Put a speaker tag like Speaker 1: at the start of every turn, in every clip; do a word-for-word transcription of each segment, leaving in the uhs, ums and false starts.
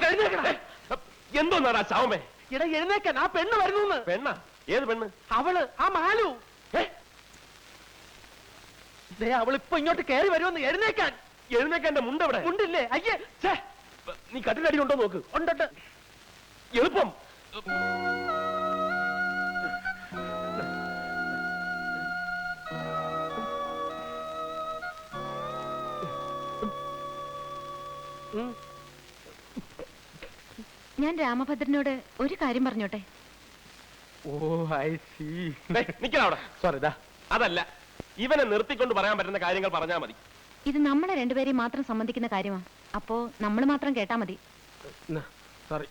Speaker 1: ഇങ്ങോട്ട് എഴുന്നേക്കണ.
Speaker 2: എന്തോന്നാടാ ശവമേ?
Speaker 1: ഇട എഴുന്നേക്കാൻ, ആ പെണ്ണ് വരുന്നു.
Speaker 2: പെണ്ണ? ഏത് പെണ്ണ്?
Speaker 1: അവള്, ആ മാലു. അവൾ ഇപ്പൊ ഇങ്ങോട്ട് കയറി വരുമെന്ന്. എഴുന്നേക്കാൻ.
Speaker 2: എഴുന്നേക്കാൻ എന്റെ മുണ്ടെവിടെ?
Speaker 1: മുണ്ടില്ലേ? അയ്യേ,
Speaker 2: നീ കട്ടിലടി ഉണ്ടോ നോക്ക്.
Speaker 1: ഉണ്ടോട്ട്.
Speaker 2: എളുപ്പം.
Speaker 3: ഞാൻ രാമഭദ്രനോട് ഒരു കാര്യം പറഞ്ഞോട്ടെ?
Speaker 1: Oh I see.
Speaker 2: നിക്കവിടെ.
Speaker 1: സോറി ദാ.
Speaker 2: അതല്ല, ഇവനെ നിർത്തിക്കൊണ്ട് പറയാൻ പറ്റുന്ന കാര്യങ്ങൾ പറഞ്ഞാൽ മതി.
Speaker 3: ഇത് നമ്മളെ രണ്ടുപേരെയും മാത്രം സംബന്ധിക്കുന്ന കാര്യമാണ്. അപ്പോ നമ്മൾ മാത്രം കേട്ടാ മതി.
Speaker 1: സോറി.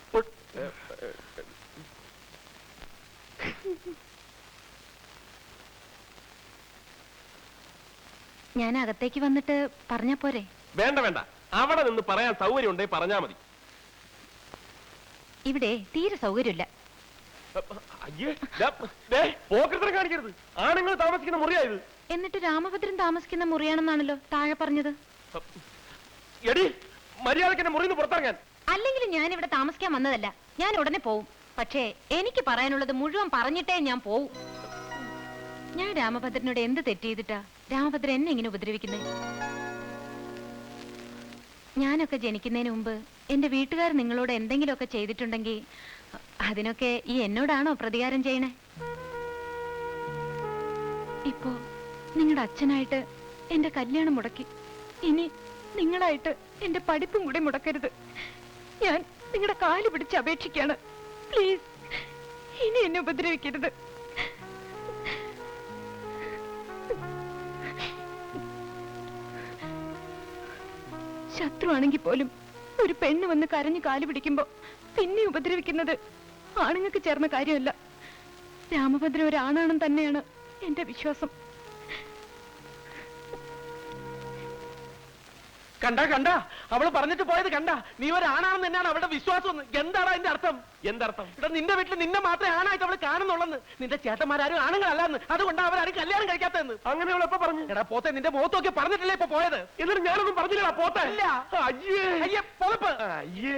Speaker 3: ഞാൻ അകത്തേക്ക് വന്നിട്ട് പറഞ്ഞാ പോരെ?
Speaker 2: വേണ്ട വേണ്ട, അവിടെ നിന്ന് പറയാൻ സൗകര്യം ഉണ്ടെങ്കിൽ പറഞ്ഞാ മതി.
Speaker 3: ഇവിടെ തീരെ സൗകര്യമില്ല.
Speaker 2: പോക്കറ്റിനെ കാണിക്കരുത്. ആണുങ്ങൾ താമസിക്കുന്ന മുറിയായത്.
Speaker 3: എന്നിട്ട് രാമഭദ്രൻ താമസിക്കുന്ന മുറിയാണെന്നാണല്ലോ താഴെ പറഞ്ഞത്.
Speaker 2: എടി, മര്യാദക്ക് എന്നെ മുറിന്ന് പുറത്തിറങ്ങാൻ.
Speaker 3: അല്ലെങ്കിൽ ഞാൻ ഇവിടെ താമസിക്കാൻ വന്നതല്ല. ഞാൻ ഉടനെ പോവും. പക്ഷേ എനിക്ക് പറയാനുള്ളത് മുഴുവൻ പറഞ്ഞിട്ടേ ഞാൻ പോവും. ഞാൻ രാമഭദ്രനോട് എന്ത് തെറ്റ് ചെയ്തിട്ടാ രാമഭദ്രൻ എന്നെ ഇങ്ങനെ ഉപദ്രവിക്കുന്നത്? ഞാനൊക്കെ ജനിക്കുന്നതിന് മുമ്പ് എന്റെ വീട്ടുകാർ നിങ്ങളോട് എന്തെങ്കിലുമൊക്കെ ചെയ്തിട്ടുണ്ടെങ്കിൽ അതിനൊക്കെ ഈ എന്നോടാണോ പ്രതികാരം ചെയ്യണേ? ഇപ്പോ നിങ്ങളുടെ അച്ഛനായിട്ട് എന്റെ കല്യാണം മുടക്കി. ഇനി നിങ്ങളായിട്ട് എന്റെ പഠിപ്പും കൂടെ മുടക്കരുത്. ഞാൻ നിങ്ങളുടെ കാല് പിടിച്ച് അപേക്ഷിക്കാണ്. പ്ലീസ്, ഇനി എന്നെ ഉപദ്രവിക്കരുത്. ശത്രുവാണെങ്കിൽ പോലും ഒരു പെണ്ണ് വന്ന് കരഞ്ഞു കാല് പിടിക്കുമ്പോ പിന്നെ ഉപദ്രവിക്കുന്നത് ആണുങ്ങൾക്ക് ചേർന്ന കാര്യമല്ല. രാമഭദ്രൻ ഒരാണാണെന്ന് തന്നെയാണ് എന്റെ വിശ്വാസം.
Speaker 1: കണ്ട കണ്ട അവള് പറഞ്ഞിട്ട് പോയത് കണ്ട. നീ ഒരാണാണെന്ന് തന്നെയാണ് അവളുടെ വിശ്വാസം. എന്താണ് അതിന്റെ അർത്ഥം?
Speaker 2: എന്തർത്ഥം?
Speaker 1: ഇവിടെ നിന്റെ വീട്ടിൽ നിന്നെ മാത്രമേ ആണായിട്ട് അവള് കാണുന്നുള്ളെന്ന്. നിന്റെ ചേട്ടന്മാരും ആണുങ്ങളല്ലെന്ന്. അതുകൊണ്ട് അവരാരും കല്യാണം കഴിക്കാത്തതെന്ന്.
Speaker 2: അങ്ങനെ അവൾ എപ്പോ പറഞ്ഞു?
Speaker 1: എടാ പോത്തെ, നിന്റെ മുഖത്തൊക്കെ പറഞ്ഞിട്ടില്ലേ ഇപ്പൊ പോയത്?
Speaker 2: എന്നിട്ട് ഞാനൊന്നും പറഞ്ഞില്ലടാ പോത്തെ.
Speaker 1: ഇല്ല.
Speaker 2: അയ്യേ
Speaker 1: അയ്യേ പൊളപ്പ്.
Speaker 2: അയ്യേ.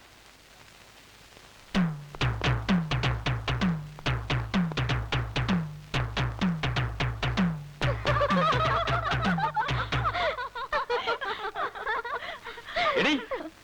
Speaker 2: എടി,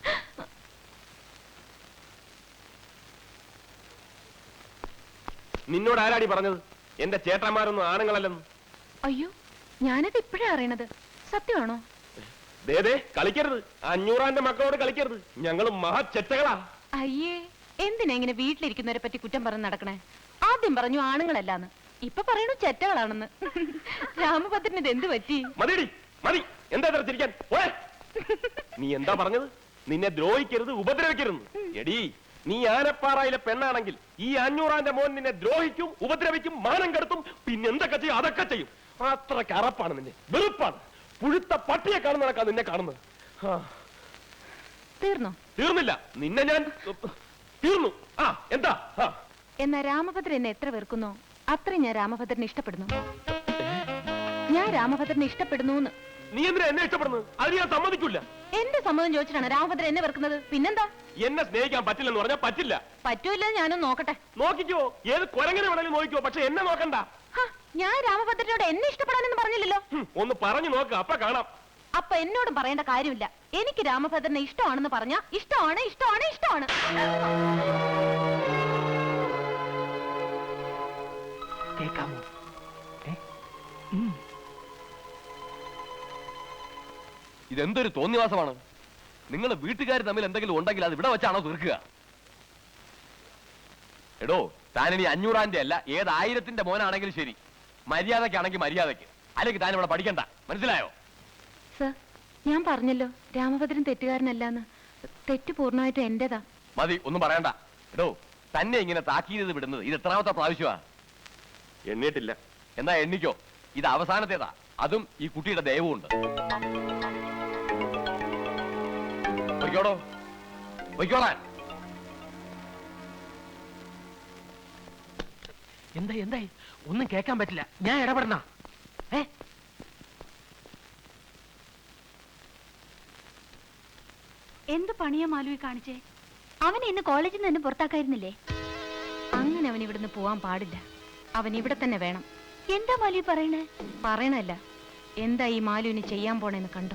Speaker 2: നിന്നോട് ആരാടി പറഞ്ഞത് എന്റെ ചേട്ടന്മാരൊന്നും ആണുങ്ങളല്ലെന്ന്?
Speaker 3: അയ്യോ, ഞാനത് ഇപ്പോഴാ അറിയണത്. സത്യമാണോ?
Speaker 2: ദേ കളിക്കരുത്. അഞ്ഞൂറാന്റെ മക്കളോട് കളിക്കരുത്. ഞങ്ങളും മഹാ ചെറ്റകളാ.
Speaker 3: അയ്യേ, എന്തിനാ ഇങ്ങനെ വീട്ടിലിരിക്കുന്നവരെ പറ്റി കുറ്റം പറഞ്ഞ് നടക്കണേ? ആദ്യം പറഞ്ഞു ആണുങ്ങളല്ലാന്ന്, ഇപ്പൊ പറയണു ചെറ്റകളാണെന്ന്. രാമഭദ്രന് ഇത് എന്ത് പറ്റി?
Speaker 2: മതിയടി, മതി. എന്താ ചിരിക്കാൻ? നീ എന്താ പറഞ്ഞത്? നിന്നെ ദ്രോഹിക്കരുത്, ഉപദ്രവിക്കരുത്. എടി, നീ ആനപ്പാറയിലെ പെണ്ണാണെങ്കിൽ ഈ അഞ്ഞൂറാന്റെ മോൻ നിന്നെ ദ്രോഹിക്കും, ഉപദ്രവിക്കും, മാനം കെടുത്തും, പിന്നെ എന്തൊക്കെ ചെയ്യും അതൊക്കെ ചെയ്യും. അത്ര കറപ്പാണ് നിന്നെ. വെറുപ്പാണ്. പുഴുത്ത പട്ടിയെ കാണുന്ന നടക്കാ നിന്നെ കാണുന്നത്.
Speaker 3: തീർന്നോ?
Speaker 2: തീർന്നില്ല. നിന്നെ ഞാൻ തീർന്നു. ആ എന്താ?
Speaker 3: എന്നാ രാമഭദ്രൻ എന്നെ എത്ര വെറുക്കുന്നോ അത്രയും ഞാൻ രാമഭദ്രനെ ഇഷ്ടപ്പെടുന്നു. ഞാൻ രാമഭദ്രനെ ഇഷ്ടപ്പെടുന്നു.
Speaker 2: നീ എന്തിനാ എന്നെ ഇഷ്ടപ്പെടുന്നത്? അത് ഞാൻ സമ്മതിക്കില്ല.
Speaker 3: എന്റെ സമ്മതം ചോദിച്ചിട്ടാണ് രാമഭദ്രൻ എന്നെ വെറുക്കുന്നത്. പിന്നെന്താ?
Speaker 2: എന്നെ സ്നേഹിക്കാൻ പറ്റില്ലെന്ന് പറഞ്ഞാൽ പറ്റില്ല.
Speaker 3: പറ്റൂല്ല, ഞാനൊന്ന് നോക്കട്ടെ.
Speaker 2: നോക്കിക്കോ, ഏത് കുരങ്ങനെ വേണമെങ്കിലും നോക്കിക്കോ, പക്ഷെ എന്നെ നോക്കണ്ട.
Speaker 3: ഞാൻ രാമഭദ്രനോട് എന്നെ ഇഷ്ടപ്പെടാനെന്ന് പറഞ്ഞില്ലല്ലോ.
Speaker 2: ഒന്ന് പറഞ്ഞു നോക്ക്, അപ്പൊ കാണാം.
Speaker 3: അപ്പൊ എന്നോടും പറയേണ്ട കാര്യമില്ല. എനിക്ക് രാമഭദ്രനെ ഇഷ്ടമാണെന്ന് പറഞ്ഞാ ഇഷ്ടമാണ്, ഇഷ്ടമാണ്, ഇഷ്ടമാണ്.
Speaker 1: കേൾക്കാമോ?
Speaker 2: ഇതെന്തൊരു തോന്നിവാസമാണ്. നിങ്ങൾ വീട്ടുകാർ തമ്മിൽ എന്തെങ്കിലും ഉണ്ടെങ്കിൽ അത് ഇവിടെ വെച്ചാണോ തീർക്കുക? എടോ, താനിനി അഞ്ഞൂറാന്റെ അല്ല ഏതായിരത്തിന്റെ മോനാണെങ്കിലും ശരി, മര്യാദക്കാണെങ്കിൽ മര്യാദക്ക്, അല്ലെങ്കിൽ താൻ ഇവിടെ പഠിക്കണ്ട. മനസ്സിലായോ?
Speaker 3: സർ, ഞാൻ പറഞ്ഞല്ലോ രാമഭദ്രൻ തെറ്റുകാരനല്ലാന്ന്. തെറ്റ് പൂർണ്ണമായിട്ടും എന്റേതാ.
Speaker 2: മതി, ഒന്നും പറയണ്ട. എടോ, തന്നെ ഇങ്ങനെ താക്കീത് വിടുന്നത് ഇത് എത്രാമത്തെ പ്രാവശ്യമാ? എണ്ണിട്ടില്ല. എന്നാ എണ്ണിക്കോ. ഇത് അവസാനത്തേതാ. അതും ഈ കുട്ടിയുടെ ദയവുമുണ്ട്. പൊയ്ക്കോടോ, പൊയ്ക്കോളാൻ.
Speaker 1: എന്തായി എന്തായി? ഒന്നും കേൾക്കാൻ പറ്റില്ല. ഞാൻ ഇടപെടണ? ഏ
Speaker 3: എന്ത് പണിയാ മാലുവി കാണിച്ചേ? അവനെ ഇന്ന് കോളേജിൽ നിന്ന് പുറത്താക്കായിരുന്നില്ലേ? അങ്ങനെ അവൻ ഇവിടുന്ന് പോവാൻ പാടില്ല. അവൻ ഇവിടെ തന്നെ വേണം. എന്താ മാലു പറയണേ? പറയണല്ല, എന്താ ഈ മാലുവിന് ചെയ്യാൻ പോണെന്ന് കണ്ടോ?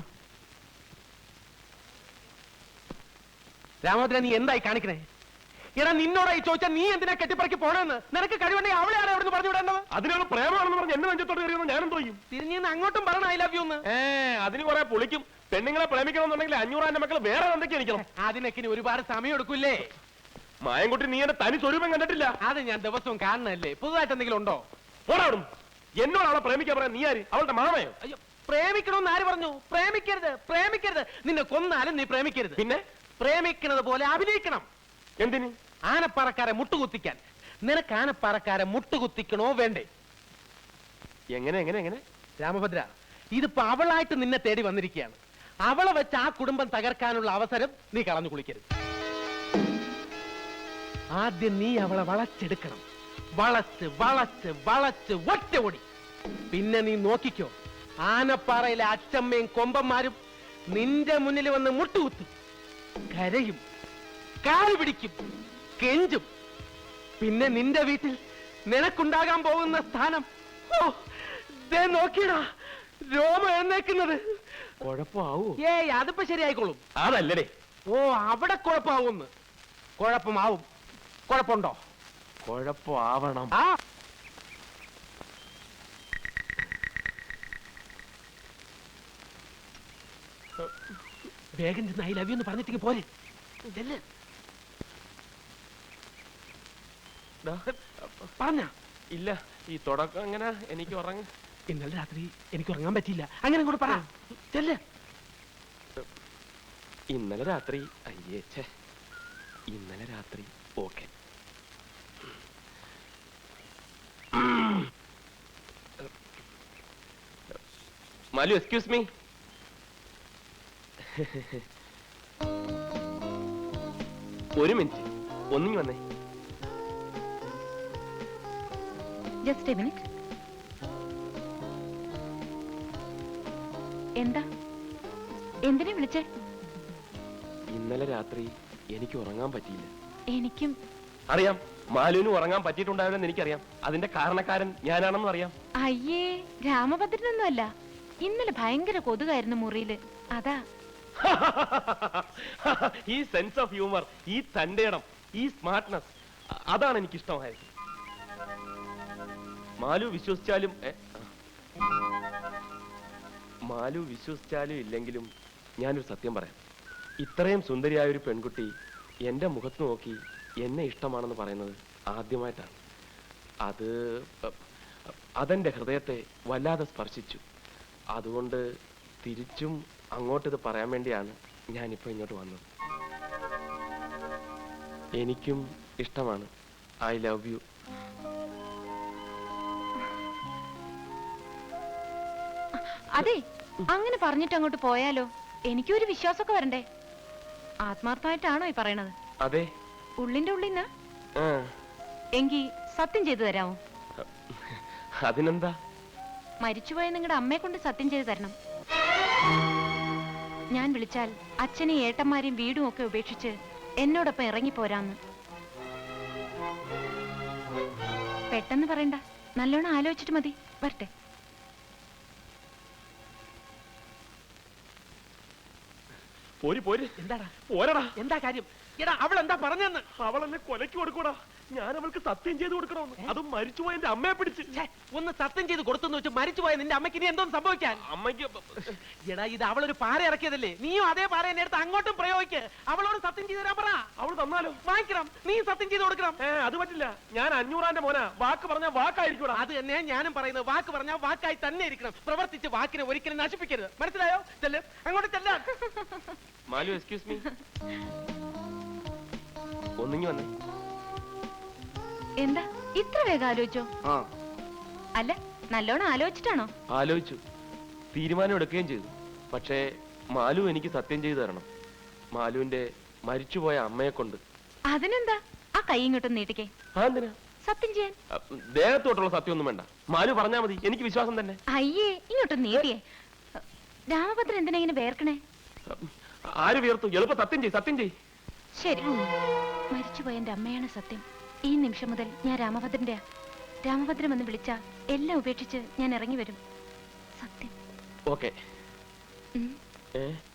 Speaker 1: രാമോദ്ര, നീ എന്തായി കാണിക്കണേ? എടാ, നിന്നോടായി ചോദിച്ചാൽ നീ എന്തിനാ കെട്ടിപ്പറക്കി പോണെന്ന്? നിനക്ക് കഴിവുണ്ടെങ്കിൽ അവളെ ആരാ അവിടെ പറഞ്ഞു വിടേണ്ടത്?
Speaker 2: അതിനുള്ള പ്രേമാണെന്ന് പറഞ്ഞ് എന്നെ നെഞ്ചത്തോട്ട് കയറിയെന്ന് ഞാനും തോന്നും.
Speaker 1: തിരിഞ്ഞു അങ്ങോട്ടും പറയണം ഐ ലവ് യു എന്ന്.
Speaker 2: ഏ അതിന് കുറെ പൊളിക്കും. പെണ്ണുങ്ങളെ പ്രേമിക്കണമെന്നുണ്ടെങ്കിൽ അഞ്ഞൂറാന്റെ മക്കൾ വേറെ എന്തൊക്കെ എനിക്കണം.
Speaker 1: അതിനൊക്കെ ഇനി ഒരുപാട് സമയം എടുക്കൂലേ?
Speaker 2: മായൻകുട്ടി, നീ എന്റെ തനി സ്വരൂപം കണ്ടിട്ടില്ല.
Speaker 1: അത് ഞാൻ ദിവസവും കാണണല്ലേ. പുതുതായിട്ട് എന്തെങ്കിലും ഉണ്ടോ?
Speaker 2: പോടാടും. എന്നോട് അവളെ പ്രേമിക്കാൻ പറയാൻ നീ ആര്? അവളുടെ മാമയോ?
Speaker 1: അയ്യോ, പ്രേമിക്കണമെന്ന് ആര് പറഞ്ഞു? പ്രേമിക്കരുത്, പ്രേമിക്കരുത്. നിന്നെ കൊന്നാലും നീ പ്രേമിക്കരുത്.
Speaker 2: പിന്നെ
Speaker 1: പ്രേമിക്കുന്നത് പോലെ അഭിനയിക്കണം.
Speaker 2: എന്തിന്?
Speaker 1: ആനപ്പാറക്കാരെ മുട്ടുകുത്തിക്കാൻ. നിനക്ക് ആനപ്പാറക്കാരെ മുട്ടുകുത്തിക്കണോ വേണ്ടേ?
Speaker 2: എങ്ങനെ എങ്ങനെ എങ്ങനെ
Speaker 1: രാമഭദ്ര, ഇതിപ്പോ അവളായിട്ട് നിന്നെ തേടി വന്നിരിക്കുകയാണ്. അവളെ വെച്ച് ആ കുടുംബം തകർക്കാനുള്ള അവസരം നീ കളഞ്ഞു കുളിക്കരുത്. ആദ്യം നീ അവളെ വളച്ചെടുക്കണം. വളച്ച് വളച്ച് വളച്ച് ഒറ്റ ഓടി. പിന്നെ നീ നോക്കിക്കോ, ആനപ്പാറയിലെ അച്ചമ്മയും കൊമ്പന്മാരും നിന്റെ മുന്നിൽ വന്ന് മുട്ടുകുത്തും, കരയും, കാല് പിടിക്കും, കെഞ്ചും. പിന്നെ നിന്റെ വീട്ടിൽ നിനക്കുണ്ടാകാൻ പോകുന്ന സ്ഥാനം, ഓ ദേ നോക്കിയടാ, രോമ എഴുന്നേക്കുന്നത്.
Speaker 2: കുഴപ്പമാവൂ?
Speaker 1: ഏയ്, അതിപ്പോ ശരിയായിക്കോളും.
Speaker 2: അതല്ലേ.
Speaker 1: ഓ, അവിടെ കുഴപ്പമാവുമെന്ന്. കുഴപ്പമാവും. കുഴപ്പമുണ്ടോ?
Speaker 2: കുഴപ്പമാവണം.
Speaker 1: ആ വേഗം ചെന്ന് ഐ ലവ് യു എന്ന് പറഞ്ഞിട്ടേക്ക് പോരെ. ചെല്ല്. പറഞ്ഞ
Speaker 2: ഇല്ല, ഈ തുടക്കം എങ്ങനെ എനിക്ക് ഉറങ്ങ.
Speaker 1: ഇന്നലെ രാത്രി എനിക്ക് ഉറങ്ങാൻ പറ്റിയില്ല. അങ്ങനെ കൂടെ പറ. ചെല്ല്.
Speaker 2: ഇന്നലെ രാത്രി അയ്യേച്ചേ ഇന്നലെ രാത്രി ഓക്കെ. Malu, excuse me. ഒരു മിനിറ്റ്, ഒന്നിങ്ങി വന്നേ.
Speaker 3: Just a minute. എന്താ? എന്തിനാ വിളിച്ചേ?
Speaker 2: ഇന്നലെ രാത്രി എനിക്ക് ഉറങ്ങാൻ പറ്റിയില്ല.
Speaker 3: എനിക്കും
Speaker 2: അറിയാം, മാലുവിന് ഉറങ്ങാൻ പറ്റിയിട്ടുണ്ടാവില്ലെന്ന് എനിക്കറിയാം. അതിന്റെ കാരണക്കാരൻ ഞാനാണെന്നും അറിയാം.
Speaker 3: അയ്യേ, രാമഭദ്രനൊന്നും അല്ല. ഇന്നലെ ഭയങ്കര കൊതുകായിരുന്നു മുറിയില്, അതാ.
Speaker 2: ഈ സെൻസ് ഓഫ് ഹ്യൂമർ, ഈ തന്റേടം, ഈ സ്മാർട്ട്നെസ്, അതാണ് എനിക്ക് ഇഷ്ടമായത്. മാലു വിശ്വസിച്ചാലും ഏ, മാലു വിശ്വസിച്ചാലും ഇല്ലെങ്കിലും ഞാനൊരു സത്യം പറയാം. ഇത്രയും സുന്ദരിയായ ഒരു പെൺകുട്ടി എന്റെ മുഖത്ത് നോക്കി എന്നെ ഇഷ്ടമാണെന്ന് പറയുന്നത് ആദ്യമായിട്ടാണ്. അത് അതെന്റെ ഹൃദയത്തെ വല്ലാതെ സ്പർശിച്ചു. അതുകൊണ്ട് തിരിച്ചും അങ്ങോട്ടിത് പറയാൻ വേണ്ടിയാണ് ഞാനിപ്പോ ഇങ്ങോട്ട് വന്നത്. എനിക്കും ഇഷ്ടമാണ്. I love you.
Speaker 3: അതെ, അങ്ങനെ പറഞ്ഞിട്ട് അങ്ങോട്ട് പോയാലോ? എനിക്കൊരു വിശ്വാസമൊക്കെ വരണ്ടേ. ആത്മാർത്ഥമായിട്ടാണോ ഈ പറയണത്?
Speaker 2: അതെ,
Speaker 3: ഉള്ളിന്റെ ഉള്ളിന്ന്.
Speaker 2: ആ,
Speaker 3: എങ്കി സത്യം ചെയ്തു തരാമോ?
Speaker 2: അതിനെന്താ?
Speaker 3: മരിച്ചുപോയ നിങ്ങളുടെ അമ്മയെ കൊണ്ട് സത്യം ചെയ്തു തരണം. ഞാൻ വിളിച്ചാൽ അച്ഛനെയും ഏട്ടന്മാരെയും വീടും ഒക്കെ ഉപേക്ഷിച്ച് എന്നോടൊപ്പം ഇറങ്ങിപ്പോരാന്ന്. പെട്ടെന്ന് പറയണ്ട, നല്ലോണം ആലോചിച്ചിട്ട് മതി. വരട്ടെ.
Speaker 2: പോരി പോരി.
Speaker 1: എന്താടാ?
Speaker 2: പോരടാ.
Speaker 1: എന്താ കാര്യം? എടാ, അവൾ എന്താ പറഞ്ഞെന്ന്?
Speaker 2: അവൾ എന്നെ കൊലക്ക് കൊടുക്കൂടാ. ഞാൻ അവൾക്ക് സത്യം ചെയ്ത് കൊടുക്കണമെന്ന്. അതും മരിച്ചുപോയ എന്റെ അമ്മയെ പിടിച്ച്.
Speaker 1: ഛേ, ഒന്ന് സത്യം ചെയ്ത് കൊടുത്തെന്ന് വെച്ച് മരിച്ചുപോയ നിന്റെ അമ്മയ്ക്ക് ഇനി എന്തോന്ന് സംഭവിക്കാൻ?
Speaker 2: അമ്മയ്ക്ക്
Speaker 1: എടാ, ഇത് അവളൊരു പാര ഇറക്കിയതല്ലേ? നീയും അതേ പാര എന്നെ എടുത്ത് അങ്ങോട്ടും പ്രയോഗിക്ക്. അവളോട് സത്യം ചെയ്ത് തരാൻ പറ.
Speaker 2: അവൾ തന്നാലോ?
Speaker 1: വാങ്ങിക്കണം. നീ സത്യം ചെയ്ത് കൊടുക്കണം.
Speaker 2: ഏ അത് പറ്റില്ല. ഞാൻ അഞ്ഞൂറാന്റെ മോനാ. വാക്ക് പറഞ്ഞ വാക്കായിരിക്കൂടാ.
Speaker 1: അത് തന്നെ ഞാനും പറയുന്നത്. വാക്ക് പറഞ്ഞാൽ വാക്കായി തന്നെ ഇരിക്കണം. പ്രവർത്തിച്ച് വാക്കിനെ ഒരിക്കലും നശിപ്പിക്കരുത്. മനസ്സിലായോ? ചെല്ല്, അങ്ങോട്ട് ചെല്ലാം.
Speaker 2: Malu, excuse me. ഒന്നിങ്ങി വന്നേ.
Speaker 3: എന്താ ഇത്ര വേഗം ആലോചിച്ചോ?
Speaker 2: ആ,
Speaker 3: അല്ല, നല്ലോണം ആലോചിച്ചിട്ടാണോ?
Speaker 2: ആലോചിച്ചു, തീരുമാനം എടുക്കുകയും ചെയ്തു. പക്ഷേ മാലു എനിക്ക് സത്യം ചെയ്തു തരണം. മാലുവിന്റെ മരിച്ചുപോയ അമ്മയെ കൊണ്ട്.
Speaker 3: അതിനെന്താ? ആ കൈ ഇങ്ങോട്ടും നീട്ടിക്കേ.
Speaker 2: അതെന്തിനാ?
Speaker 3: സത്യം ചെയ്യാൻ.
Speaker 2: അ, ദേഹത്തോട്ടുള്ള സത്യം ഒന്നും വേണ്ട. മാലു പറഞ്ഞാ മതി, എനിക്ക് വിശ്വാസം തന്നെ.
Speaker 3: അയ്യേ, ഇങ്ങോട്ടും നീട്ടിയേ. രാമഭദ്രൻ എന്തിനാ ഇങ്ങനെ വേർക്കണേ?
Speaker 2: ആര് വിയർത്തു? എളുപ്പം സത്യം ചെയ്, സത്യം ചെയ്.
Speaker 3: ശരി, മരിച്ചുപോയ എന്റെ അമ്മയാണ് സത്യം. ഈ നിമിഷം മുതൽ ഞാൻ രാമഭദ്രന്റെ രാമഭദ്രം എന്ന് വിളിച്ച എല്ലാം ഉപേക്ഷിച്ച് ഞാൻ ഇറങ്ങി വരും. സത്യം.
Speaker 2: ഓക്കെ.
Speaker 3: ഉം.
Speaker 2: ഏ